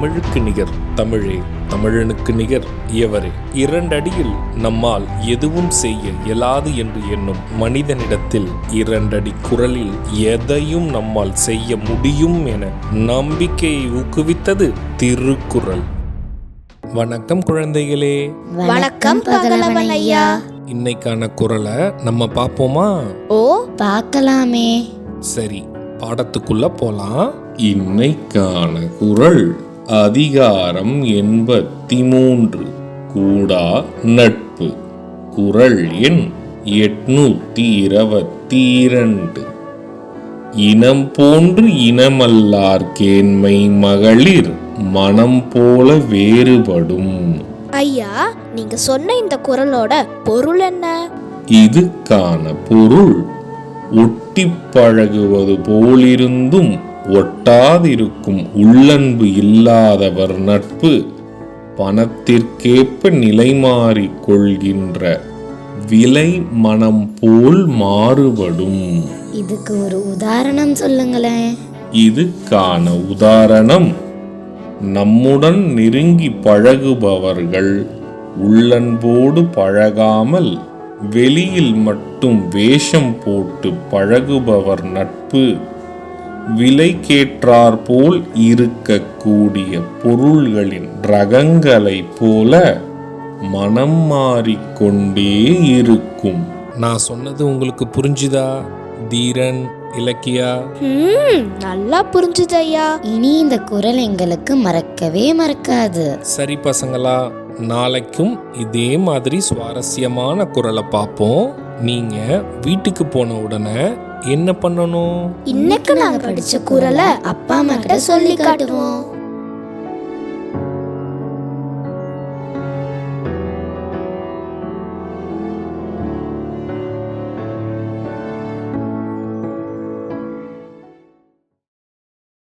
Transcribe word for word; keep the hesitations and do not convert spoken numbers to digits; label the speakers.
Speaker 1: தமிழுக்கு நிகர் தமிழே, தமிழனுக்கு நிகர் எவரே. இரண்டடியில் நம்மால் எதுவும் செய்ய இயலாது என்று எண்ணும் மனிதனிடத்தில் இரண்டடி குரலில் எதையும் நம்மால் செய்ய முடியும் என நம்பிக்கையை ஊக்குவித்தது திருக்குறள். வணக்கம் குழந்தைகளே.
Speaker 2: வணக்கம் பகலவன் ஐயா.
Speaker 1: இன்னைக்கான குறளை நம்ம பார்ப்போமா?
Speaker 2: ஓ, பார்க்கலாமே.
Speaker 1: சரி, பாடத்துக்குள்ள போலாம். இன்னைக்கான குறள் அதிகாரம் எண்பத்தி மூன்று, கூடா நட்பு. குறள் எண் எட்நூத்தி இருபத்தி இரண்டு. இனம் போன்று இனமல்லார் கேண்மை மகளிர் மனம் போல வேறுபடும்.
Speaker 2: ஐயா, நீங்க சொன்ன இந்த குறளோட பொருள் என்ன?
Speaker 1: இதுக்கான பொருள், ஒட்டி பழகுவது போலிருந்தும் ஒட்டாதிருக்கும் உள்ளன்பு இல்லாதவர் நட்பு பணத்திற்கேற்ப நிலை மாறிக் கொள்கின்ற விலை மனம் போல் மாறுபடும்.
Speaker 2: இதுக்கு ஒரு உதாரணம் சொல்லுங்களேன்.
Speaker 1: இதுக்கான உதாரணம், நம்முடன் நெருங்கி பழகுபவர்கள் உள்ளன்போடு பழகாமல் வெளியில் மட்டும் வேஷம் போட்டு பழகுபவர் நட்பு விலைக்கேற்றார் போல் இருக்கக்கூடிய பொருள்களின் ரகங்களை போல மனம் மாறிக்கொண்டே இருக்கும். நான் சொன்னது உங்களுக்கு புரிஞ்சுதா தீரன், இலக்கியா?
Speaker 2: நல்லா புரிஞ்சுது ஐயா. இனி இந்த குறள் எங்களுக்கு மறக்கவே மறக்காது.
Speaker 1: சரி பசங்களா, நாளைக்கும் இதே மாதிரி சுவாரஸ்யமான குறளை பார்ப்போம். நீங்க வீட்டுக்கு போன உடனே என்ன பண்ணணும்?
Speaker 2: இன்னைக்கு நாங்க படிச்ச குறளை அப்பா அம்மா கிட்ட சொல்லி காட்டுவோம்.